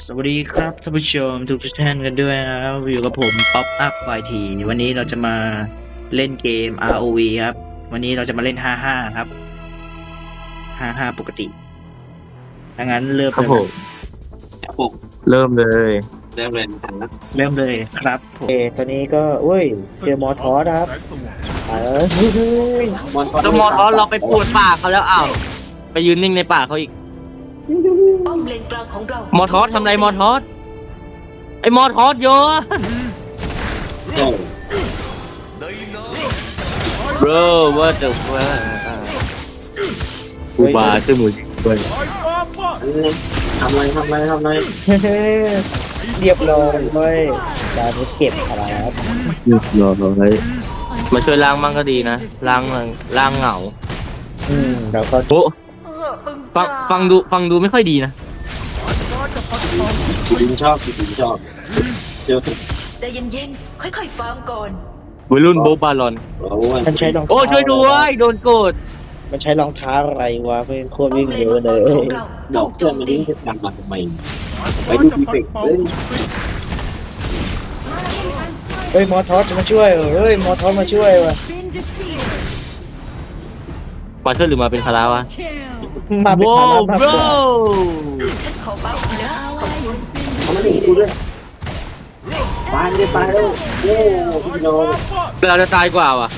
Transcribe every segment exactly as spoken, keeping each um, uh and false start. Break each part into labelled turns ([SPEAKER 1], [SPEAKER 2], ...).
[SPEAKER 1] สวัสดีครับท่านผู้ชมทุกท่านกันด้วยนะครับอยู่กับผมป๊อปอัพไฟทีวันนี้เราจะมาเล่นเกม อาร์ โอ วี ครับวันนี้เราจะมาเล่น ห้าห้า ครับ ห้าห้า ปกติดังนั้นเริ่ม
[SPEAKER 2] ครับผม
[SPEAKER 1] ครับผม
[SPEAKER 2] เริ่มเลย
[SPEAKER 1] เริ่มเลยนะครับเริ่มเลยครับผมเอตอนนี้ก็เว้ยเจอมอทอสครับเออเฮ้ยมอทอส
[SPEAKER 2] แล้วมอทอสเราไปปวดป่าเขาแล้วอ้าวไปยืนนิ่งในป่าเขาอีก
[SPEAKER 3] ป้อมเลนกลางของเรา
[SPEAKER 2] มอทอสทำไรมอทอสไอมอทอสโยน bro what the fuck กูบาซื้อหมูจิ้มด้วย
[SPEAKER 1] ทำไรทำไรทำไรเรียบร้อยเว้ยการเก็บครับ
[SPEAKER 2] รอรอให้มาช่วยล้างมั่งก็ดีนะล้างล้างเหงา
[SPEAKER 1] อืมแล้วก็
[SPEAKER 2] โอ้ฟังฟังดูฟังดูไม่ค่อยดีนะ
[SPEAKER 1] คุณชอบคุณชอบเจอ
[SPEAKER 3] ใจเย็นๆ ค่อยๆ ฟาร์มก่อน
[SPEAKER 2] วัยรุ่นโบบาลอน
[SPEAKER 1] มันใช้รองเท้า
[SPEAKER 2] โอ้ช่วยด้วยโดนโกด
[SPEAKER 1] มันใช้รองเท้าอะไรวะเพื่อนโคตร
[SPEAKER 3] ป้อ
[SPEAKER 1] วิ่
[SPEAKER 3] ม
[SPEAKER 1] ง
[SPEAKER 3] เลน
[SPEAKER 1] เร็ว
[SPEAKER 3] มัง
[SPEAKER 1] เล
[SPEAKER 3] กร
[SPEAKER 1] ย
[SPEAKER 3] ของเราถูกโจมตี
[SPEAKER 1] ดังมาทำไมไปดูดีเฟกเฮ้ยเฮ้ยมอทอสจะมาช่วยเฮ้ยมอทอสมาช่วยวะ
[SPEAKER 2] มาช่วยหรือมาเป็นคาราวะ
[SPEAKER 1] มาเป็น
[SPEAKER 2] ว้า
[SPEAKER 1] ฐาว นะมาก
[SPEAKER 2] bro
[SPEAKER 1] กว่า
[SPEAKER 3] ฉันขอบัฟนะขอบคุณ
[SPEAKER 1] เขาไม่หนีกูด้วยตายเลยตายแล้วโอ้พี่น้อง
[SPEAKER 2] เราจะตายกว่าว่ะ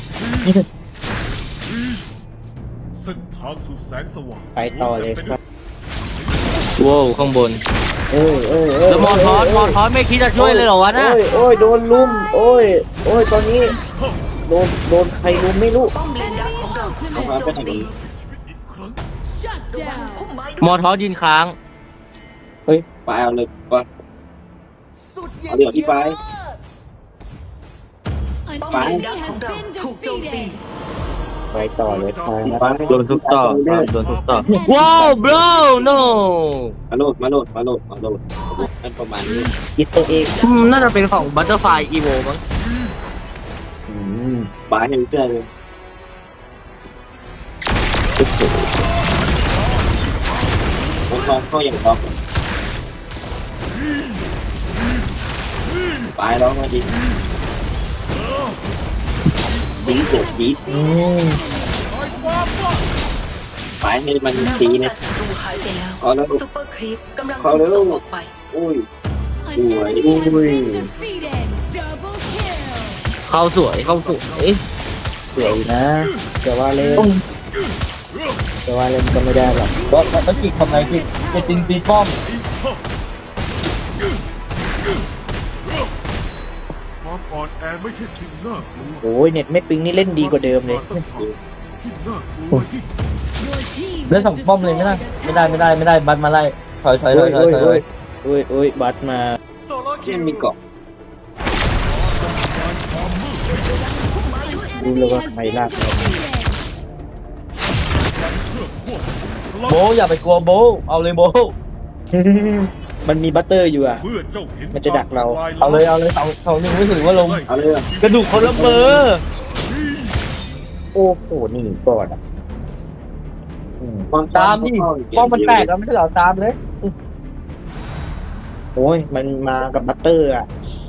[SPEAKER 4] เส้นทางสู่แสงสว่าง
[SPEAKER 1] ไปต่อเลยครับ
[SPEAKER 2] ว้าวข้างบน
[SPEAKER 1] เอ้ยเอ้ยเอ้ย
[SPEAKER 2] แล้วมอทอสมอทอสไม่คิดจะช่วยเลยเหรอวะนะ
[SPEAKER 1] โอ้ยโอ้ยโดนลุมโอ้ยโอ้ยตอนนี้โดนโดนใครลุมไม่รู้
[SPEAKER 3] ป้อมเลนดักของเราถูกโจมตีระวังพุ่มไม้ด้
[SPEAKER 2] ม
[SPEAKER 3] ว
[SPEAKER 2] อย ทอสยืนค้าง
[SPEAKER 1] เฮ้ยไปเอาเลยปะเอาเดี๋ยวพี่ไป
[SPEAKER 3] ป้อมเลนดักของเราถูกโจมตี
[SPEAKER 1] ไปต่อเลยครับ
[SPEAKER 2] โดนทุบต่อโดนทุบต่อว้าว bro no
[SPEAKER 1] มาโหลดมาโหลดมาโหลดมาโหลดมันประมาณนี้คิดตัวเอง
[SPEAKER 2] อืมน่าจะเป็นของบัตเตอร์ไฟอีโวมั้ง
[SPEAKER 1] อืมบายังเชื่อเลยผมลองเข้าอย่างท็อปไปแล้วมาดิดีเด็ดดีไปให้มัน
[SPEAKER 3] หน้า
[SPEAKER 1] ตี
[SPEAKER 3] ป้อง
[SPEAKER 1] นะ
[SPEAKER 3] กันศัตรูหายไปแล้ว
[SPEAKER 1] เอาแล้ว
[SPEAKER 3] ซุปเปอร์ครีปกำลัง
[SPEAKER 1] เอา
[SPEAKER 3] ถู
[SPEAKER 1] แล้
[SPEAKER 3] ก
[SPEAKER 1] ว
[SPEAKER 3] ส่งออกไป
[SPEAKER 1] อุ้ย
[SPEAKER 2] เข้าสวยเข้าสวย
[SPEAKER 1] สวยนะแต่ว่าเล่นแต่ว่าเล่นก็ไม่ได้หรอกเพราะมันติดทำไงติดจะติงตีป้อม
[SPEAKER 4] ความอ่อนแอไม่ใช่สิ่งน่ากลัว
[SPEAKER 1] โอ้ยเน็ตไม่ปิงนี่เล่นดีกว่าเดิมเลย
[SPEAKER 4] ที่น่ากลัวที่
[SPEAKER 2] แล้วสองป้อมเลยไม่ได้ไม่ได้ไม่ได้ไม่ได้บัตมาไล่ถอยถอยถอยถอยถอย
[SPEAKER 1] โอ้ยโอ้ยบัตมาเจมมีเกาะรู้เลยว่าใครลาก
[SPEAKER 2] โบอย่าไปกลัวโบเอาเลยโบ
[SPEAKER 1] มันมีบัตเตอร์อยู่อ่ะ
[SPEAKER 4] เมื่อเจ้าเห็น
[SPEAKER 1] มันจะดักเรา
[SPEAKER 2] เอาเลยเอาเลยสองสองหนึ่งรู้สึกว่าลง
[SPEAKER 1] เอาเลย
[SPEAKER 2] กระดูกคนละเบอร์
[SPEAKER 1] โอ้โหนี่ก่อนอ่ะ
[SPEAKER 2] ตามดิป้อมมันแตกแล้วไม่ใช่เหรอตามเลย
[SPEAKER 1] โอ้ยมันมากับบัตเตอร์อ่ะ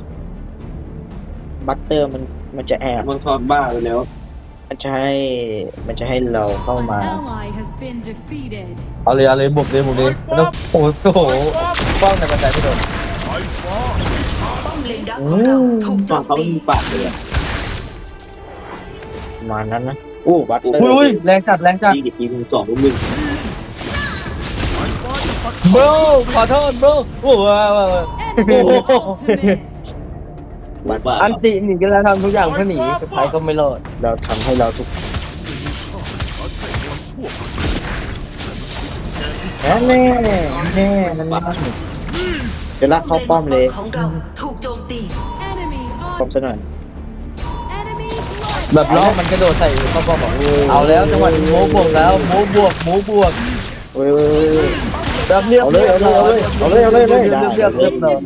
[SPEAKER 1] บัตเตอร์มันมันจะแอบมันชอบบ้าไปแล้วมันจะให้มันจะให้เราเข้ามา
[SPEAKER 2] เอาเลยเอาเลยบุกเลยบุกเลยไม่ต้องโอ้โหป้อมในกระจายไม่โดน
[SPEAKER 4] ไฟฟ้า
[SPEAKER 3] ป้อมเลนดักของเราถูกโจมตี
[SPEAKER 1] ปากเลยประมาณนั้นนะโอ้บัตเตอร์
[SPEAKER 2] อุ้ยแรงจัดแรงจัด
[SPEAKER 1] ยี่สิบปีถึงสองหนึ่ง
[SPEAKER 2] โบขอโทษโบโอ้โห
[SPEAKER 1] บัตเตอร์
[SPEAKER 2] อันติหนีกันแล้วทำทุกอย่างเพื่อหนีสุดท้ายก็ไม่รอด
[SPEAKER 1] เราทำให้เราทุกแน่แน่แน่มันมาจะลากเข้าป้อมเลย
[SPEAKER 3] ของเราถูกโจมตี
[SPEAKER 1] ป้อมซะหน่อย
[SPEAKER 2] แบบล้อมันกระโดดใส่เขาบอกบอกเอาแล้วจังหวะนี้โมบวกแล้วโมบวกโมบวก
[SPEAKER 1] เว้ย
[SPEAKER 2] แบบเรียบ
[SPEAKER 1] เอาเลยเอาเลยเอาเลยเอาเลยเอาเลย
[SPEAKER 2] เรียบเรียบเรียบเรียบ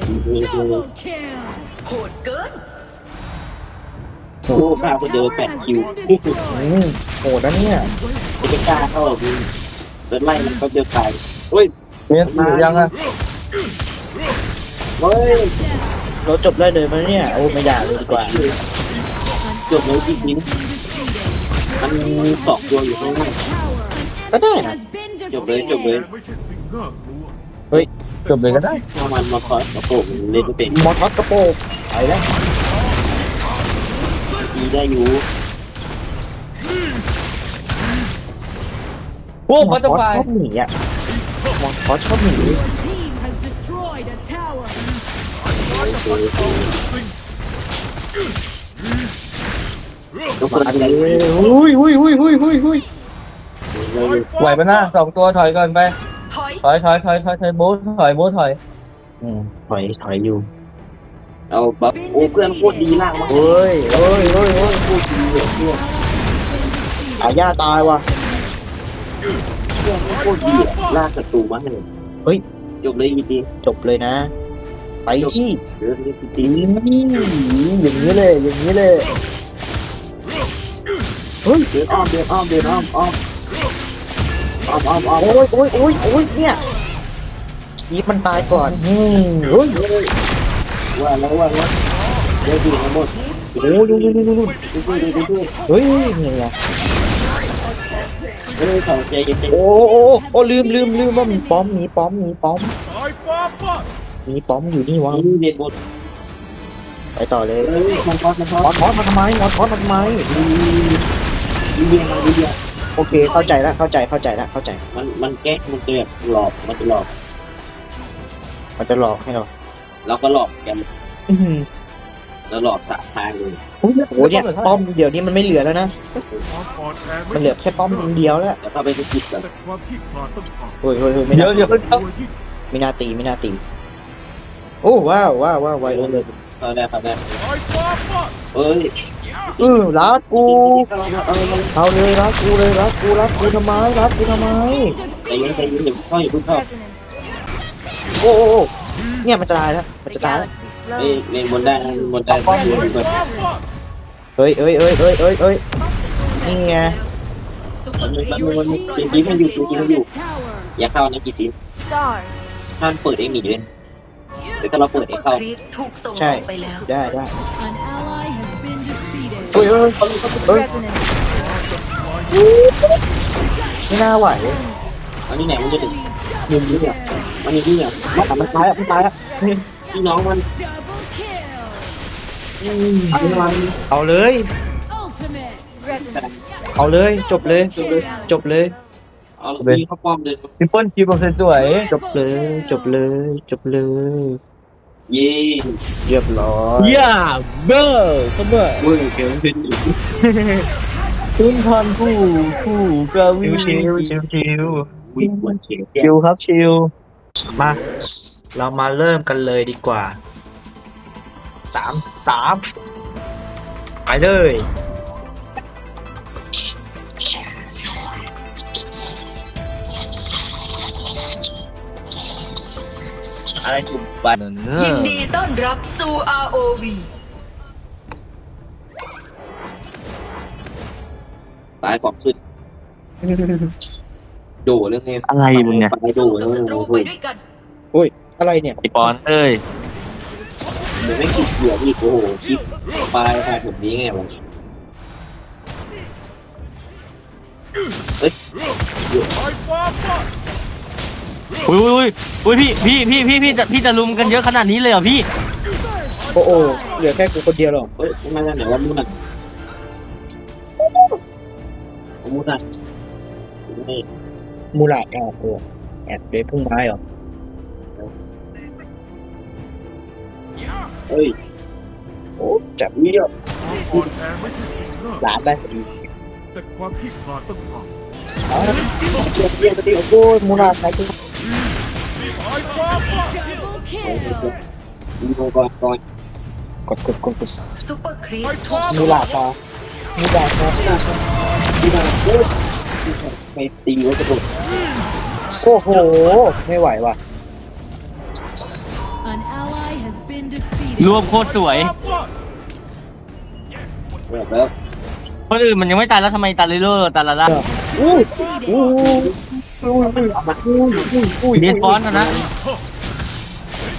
[SPEAKER 3] โหดเกิน
[SPEAKER 1] โอ้ข้าก็เจอแปดคิวอืมโหดนะเนี่ยจะไปกล้าเข้าหรอพี่เดินไล่มันเขาเจอใครเฮ้ย
[SPEAKER 2] เนี่ยยังอ่ะเฮ้ย
[SPEAKER 1] เราจบได้เลยมั้ยเนี่ยโอ้ไม่ได้เลยดีกว่า
[SPEAKER 2] จบแล้วจริงๆมันสองตัวอยู่ข้างหน้า
[SPEAKER 1] ก็ได้นะ
[SPEAKER 2] จบเลยจบเลย
[SPEAKER 4] ไม่ใช่สิ่งน่ากลัว
[SPEAKER 1] เฮ้ย
[SPEAKER 5] จบเลยก็ได้
[SPEAKER 2] ถ้ามันมาคอยกระโปรงเล่นไม่เป็น
[SPEAKER 1] มอสกระโปรงไปแล้ว
[SPEAKER 2] ดีได้อยู่
[SPEAKER 5] โอ้พัตเตอร์ไฟ
[SPEAKER 1] ชอบหนีอ่ะมอสชอบหนี
[SPEAKER 6] Team has destroyed a tower.
[SPEAKER 2] ทุกคน
[SPEAKER 1] อัน
[SPEAKER 2] อะไร
[SPEAKER 1] นี้หุยหุยหุยหุยหุยหุย
[SPEAKER 5] ไหวปะหน้าสองตัวถอยก่อนไป
[SPEAKER 3] ถอย
[SPEAKER 5] ถอยถอยถอยถอยถอยโบ๊ทถอยโบ๊ทถอย
[SPEAKER 1] อืมถอยถอยอยู่
[SPEAKER 2] เอาบัฟโอ้เพื่อนโคตรดีมากมาก
[SPEAKER 1] เฮ้ยเฮ้ยเฮ้ยเฮ้ยพูดดีเลยพวกอาญาตายว่ะ
[SPEAKER 2] เพื่อนโคตรดีลากศัตรูมาให้
[SPEAKER 1] เฮ้ย
[SPEAKER 2] จบเลยจริง
[SPEAKER 1] จบเลยนะ ไปที่
[SPEAKER 2] ๆเรื่องนี้จ
[SPEAKER 1] อื
[SPEAKER 2] ริง
[SPEAKER 1] มอย่างนี้เลยอย่างนี้เลยเฮ้ย
[SPEAKER 2] ๆเดินอ้อมเดินอ้อมเดินอ้อมอ้อมอ้อมอ้อมอ้อม
[SPEAKER 1] โอ้ยโอ้ยโอ้ยโอ้ยเนี่ยนี่มันตายก่อนอืมเฮ้ย
[SPEAKER 2] ว่าแล้วว่าแล้วเดี๋ยวดีทั้งหมด
[SPEAKER 1] โอ้ยดูดูดูดูดู
[SPEAKER 2] ดูดูดูดู
[SPEAKER 1] เฮ้ยเนี่ยไง
[SPEAKER 2] เฮ้ยเขาใจเย็น
[SPEAKER 1] โอ้โอ้โอ้ลืมลืมลืมว่ามีป้อมมีป้อมมีป้อม
[SPEAKER 4] สายฟ้าฟาด
[SPEAKER 1] มีป้อมอยู่นี่วะ
[SPEAKER 2] ๆนี่เรียนบท
[SPEAKER 1] ไปต่อเลย
[SPEAKER 2] เฮ้ยมันพอมันพอ
[SPEAKER 1] มอสมอสมาทำไมมอสมอสมาทำไม
[SPEAKER 2] ดีเรียนมาดีเรียน
[SPEAKER 1] โอเคเข้าใจแล้วเข้าใจเข้าใจแล้วเข้าใจ
[SPEAKER 2] มันมันแก้มันจะแบบหลอกมันจะหลอก
[SPEAKER 1] มันจะหลอกให้เรา
[SPEAKER 2] เราก็หลอกกัน
[SPEAKER 1] อื้อหือ
[SPEAKER 2] แล้วหลอกสามทางเลย
[SPEAKER 1] โอ้โหเนี่ยป้อมเดี๋ยวนี้มันไม่เหลือแล้วนะ
[SPEAKER 4] ความอ่อนแอ
[SPEAKER 1] มันเหลือแค่ป้อมเดียวแล้ว
[SPEAKER 2] แล้วก็ไปสกิดกัน
[SPEAKER 4] แต่ความขี้ขลาดต้องผ่าน
[SPEAKER 1] เฮ้ยเฮ้ยเฮ้ยไม่
[SPEAKER 5] เดี๋ย
[SPEAKER 1] น่าว
[SPEAKER 5] เดี๋ยว
[SPEAKER 4] ตัวยิ่ง
[SPEAKER 1] ไม่น่าตีไม่น่าตีโอ้ว้าวว้าวว้าวไวเลย
[SPEAKER 2] เขาได้เขาได้
[SPEAKER 4] สายฟ้าฟาด
[SPEAKER 2] เฮ้ย
[SPEAKER 1] เออรักกู
[SPEAKER 2] เอาเอาเอา
[SPEAKER 1] เอาเลยรักกูเลยรักกูรักกูทำไมรักกูทำไม
[SPEAKER 2] ใจเย็นใจเย็นอย่าเข้าอย่าเพิ่งเข้า
[SPEAKER 1] โอ้โอ้โอ้เนี่ยมันจะตายแล้วมันจะตายแล้ว
[SPEAKER 2] เล่นเล่นบนได้นะบนได้บนได้บนได้
[SPEAKER 1] เฮ้ยเฮ้ยเฮ้ยเฮ้ยเฮ้ยเฮ้ยนี่ไง
[SPEAKER 3] ซุปเปอร์ครี
[SPEAKER 2] มัน
[SPEAKER 3] ป
[SPEAKER 2] มันจริงๆมันอยู่จริงๆมันอยู่ อย่าเข้านะกี่ที
[SPEAKER 3] Stars
[SPEAKER 2] ท่านเปิดเองหนีเลยแต่ถ้าเราเปิดเองเข้า
[SPEAKER 3] ครีปถูกส่งอ
[SPEAKER 1] ใช่
[SPEAKER 3] อกไปแล้ว
[SPEAKER 1] ได้ได้
[SPEAKER 6] An ally has been defeated.
[SPEAKER 1] เฮ้ยเฮ้ยเฮ้ย
[SPEAKER 3] Resonance
[SPEAKER 1] ไม่น่าไหว
[SPEAKER 2] อันนี้ไหนมันจะถึงมุมนี้เนี่ยมันมีที่เนี่ยมันมันตายอ่ะมันตายอ่ะพี่น้องมัน
[SPEAKER 6] Double kill.
[SPEAKER 2] อันนี้มัน
[SPEAKER 1] เอาเลย
[SPEAKER 6] Ultimate.
[SPEAKER 1] เอาเลยจบเลยจบเลย
[SPEAKER 2] เอาพี่เข้าป้อมเลย
[SPEAKER 5] ทิปเปิลคิวเปอร์เซ็นต์สวย
[SPEAKER 1] จบเลยจบเลยจบเลย
[SPEAKER 2] เย่
[SPEAKER 1] เรียบร้อย
[SPEAKER 5] ย่าเบอร์เสมอ
[SPEAKER 2] เว้ยเกี่ยวเป็นอีก
[SPEAKER 5] คุณพันผู้ผู้กวี
[SPEAKER 1] ชิวชิวชิวชิว
[SPEAKER 2] วิ่งบนเสียงแก้
[SPEAKER 5] ชิวครับชิว
[SPEAKER 1] มาเรามาเริ่มกันเลยดีกว่าสามสามไปเลยอะไรถูกไป
[SPEAKER 3] ยินดีต้อนรับสู่ อาร์ โอ วี
[SPEAKER 2] ตายของสุดโดเรื่องนี้
[SPEAKER 5] อะไรมึงเนี่ย
[SPEAKER 2] ไปโด
[SPEAKER 3] สู้
[SPEAKER 2] แล้
[SPEAKER 3] กับ
[SPEAKER 2] ว
[SPEAKER 3] ศัตรูไปด้วยกัน
[SPEAKER 1] อะไรเนี่ย
[SPEAKER 5] ไอปอนเอ้ย
[SPEAKER 2] เดี๋ยวไม่คิดเหลืออีกโอ้โหคิดปลายปลายผมนี้ไงวะ
[SPEAKER 4] สายฟ้าฟาด
[SPEAKER 5] อุ้ยอุ้ยอุ้ยพี่พี่พี่พี่พี่จะพี่จะลุมกันเยอะขนาดนี้เลยเหรอพี่
[SPEAKER 1] โอ้โหเหลือแค่กูคนเดียวหรอก
[SPEAKER 2] เฮ้ยทำไมนั่นไหนว่ามูนันมูนัน
[SPEAKER 1] มูลาแอบตัวแอบเลยพุ่งไม้เหรอ
[SPEAKER 2] เฮ้ย
[SPEAKER 1] โอ้จับ
[SPEAKER 2] วิ่ง
[SPEAKER 4] ความอ่อนแอไม่ใช่สิ่งน่าก
[SPEAKER 1] ห
[SPEAKER 4] ลัว
[SPEAKER 1] ลานได้พอดี
[SPEAKER 4] แต่ความขี้ขลาดต้องผ่าน
[SPEAKER 1] อ๋อ
[SPEAKER 2] เยี่ยมเยี่ยมเยี่ยม
[SPEAKER 1] โอ้ยมูลาใครจะ
[SPEAKER 4] สายฟ้าฟาด
[SPEAKER 6] Double kill.
[SPEAKER 2] ดูก่อนก่อน
[SPEAKER 1] กดกดกดกด
[SPEAKER 3] ซุปเปอร์ครีป
[SPEAKER 4] สาย
[SPEAKER 3] ถู
[SPEAKER 4] ฟ้าก
[SPEAKER 1] มูลาพอมูลาพอ
[SPEAKER 2] ที่นั่นเฮ้ยไปตีไว้กระโดด
[SPEAKER 1] โอ้โหไม่ไหวว่ะ
[SPEAKER 6] An ally has been defeated.
[SPEAKER 5] รวมโคตรสวย
[SPEAKER 2] แบบแล้ว
[SPEAKER 5] คนอื่นมันยังไม่ตายแล้วทำไมตาลิโร่ตาลาล่า
[SPEAKER 1] อู้
[SPEAKER 6] Defeated.
[SPEAKER 1] อู้อู้อู้อู้อู้อู้
[SPEAKER 5] เรียนฟอนต์นะนะ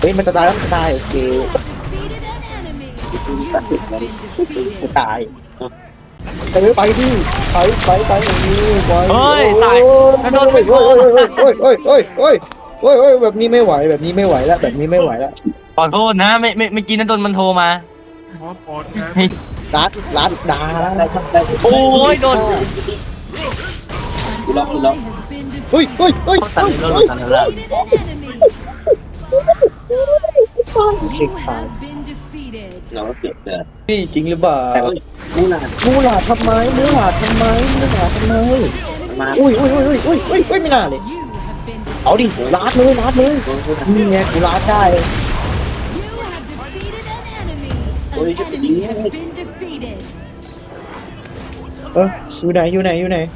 [SPEAKER 7] ฮ้ยมันจะตายแล้วมันจะตายโอเค
[SPEAKER 6] Defeated an enemy. You have been
[SPEAKER 7] จะ
[SPEAKER 6] defeated.
[SPEAKER 7] ตายเออไปดิไปไปไปอย่างนี้ไป
[SPEAKER 5] เฮ้ยตายแล้วโดนไปโกง
[SPEAKER 7] โอ้ยโอ้ยโอ้ยโอ้ยโอ้ยโอ้ยแบบนี้ไม่ไหวแบบนี้ไม่ไหวแล้วแบบนี้ไม่ไหวแล้ว
[SPEAKER 5] ขอโทษนะไม่ไม่ไม่อกินนั้นโดนมันโทรมา
[SPEAKER 4] ความอ่อนแอ
[SPEAKER 5] เฮ้ย
[SPEAKER 7] รัดรัดด่าแล้ว
[SPEAKER 2] ได้ครับได้
[SPEAKER 5] โอ้ยโดน
[SPEAKER 6] An ally has been
[SPEAKER 7] เฮ้ย
[SPEAKER 6] defeated.
[SPEAKER 7] เฮ้ยเฮ้ย
[SPEAKER 5] ตัด
[SPEAKER 7] เฮ้ย
[SPEAKER 5] โดน
[SPEAKER 7] เฮ้ย
[SPEAKER 5] ตัดแล้ว
[SPEAKER 6] Defeated an enemy. You have been defeated.
[SPEAKER 2] เราก็เกือบจะ
[SPEAKER 7] พี่จริงหรือเปล่า
[SPEAKER 2] แต่ก็มูนา
[SPEAKER 7] มูหลาดทำไมมูหลาดทำไมมูหลาดทำไม
[SPEAKER 2] มา
[SPEAKER 7] อุ้ยอุ้ยอุ้ยอุ้ยอุ้ยอุ้ยอุ้ยไม่น่าเลย
[SPEAKER 6] You have been defeated.
[SPEAKER 7] เอาดิรัดเลยรัดเลยนี่ไงกูรัดได้
[SPEAKER 6] You have defeated an enemy. An enemy has been defeated.
[SPEAKER 7] เอออยู่ไหนอยู่ไหนอยู่ไหน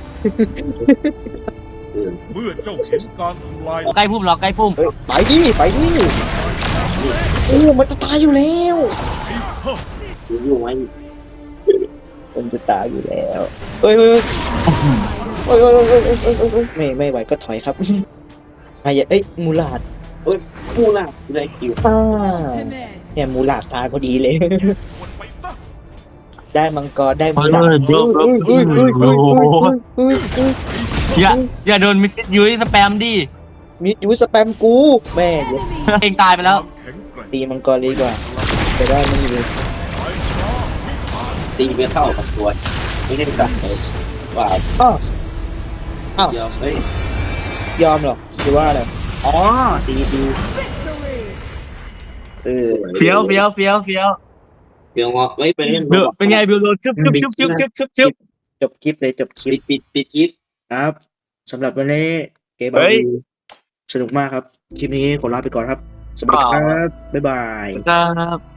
[SPEAKER 4] เมื่อเจ้าเห็นการทำลาย
[SPEAKER 5] ใกล้พุ่มหรอใกล้พุ่ม
[SPEAKER 7] เอ้ยไปดิไปดิโอ้มันจะตายอยู่แล้ว
[SPEAKER 2] ถืออยู่ไว้
[SPEAKER 7] มันจะตายอยู่แล้วเฮ้ยเฮ้ยเฮ้ยเฮ้ยเฮ้ยเฮ้ยเฮ้ยเฮ้ยเฮ้ยไม่ไม่ไหวก็ถอยครับไอ้เอ้ยมูหลาด
[SPEAKER 2] มูนาได้คิว
[SPEAKER 7] อ่า
[SPEAKER 6] Ultimate.
[SPEAKER 7] เนี่ยมูหลาดตายพอดีเลย
[SPEAKER 4] คนไปซะ
[SPEAKER 7] ได้มังกรได้
[SPEAKER 5] ขอ
[SPEAKER 7] มูห
[SPEAKER 5] โท
[SPEAKER 7] ลาด
[SPEAKER 5] ษโดน
[SPEAKER 7] เฮ้ยเฮ้ยเฮ้ยเฮ้ยเฮ้ยเฮ้ยเฮ้ย
[SPEAKER 5] อย่าอย่าโดนมิสซิสยูสแปมดิ
[SPEAKER 7] มียูสแปมกูแม่เดี๋ยว
[SPEAKER 6] Enemy.
[SPEAKER 5] เองตายไปแล้ว
[SPEAKER 4] ความแข็งแกร่ง
[SPEAKER 7] ตีมังกรเลยดีกว่าจะได้ไม่มีเลย
[SPEAKER 2] ตีไม่เข้ากับตัวไม่ได้กลับเลยว่า
[SPEAKER 7] อ้าวอ้าว
[SPEAKER 2] เดี๋ยวเฮ้ย
[SPEAKER 7] ยอมหรอหรือว่าอะไร
[SPEAKER 2] อ๋อดีดี
[SPEAKER 6] Victory.
[SPEAKER 2] เออ
[SPEAKER 5] เฟี้ยวเฟี้ยวเฟี้ยวเฟี้ยว
[SPEAKER 2] เดี๋ยวมาไม่ไปเล่น
[SPEAKER 5] เดือเป็นไงบิวโดนชึบชึบชึบชึบชึบชึบชึบ
[SPEAKER 7] จบคลิปเลยจบคลิ
[SPEAKER 2] ปิ
[SPEAKER 7] ป
[SPEAKER 2] ดปิดปิดคลิป
[SPEAKER 7] ครับสำหรับวันนี้เกม
[SPEAKER 5] เฮ้ย
[SPEAKER 7] สนุกมากครับ คลิปนี้ขอลาไปก่อนครับ สวัสดีครับ บ๊ายบาย
[SPEAKER 5] ครับ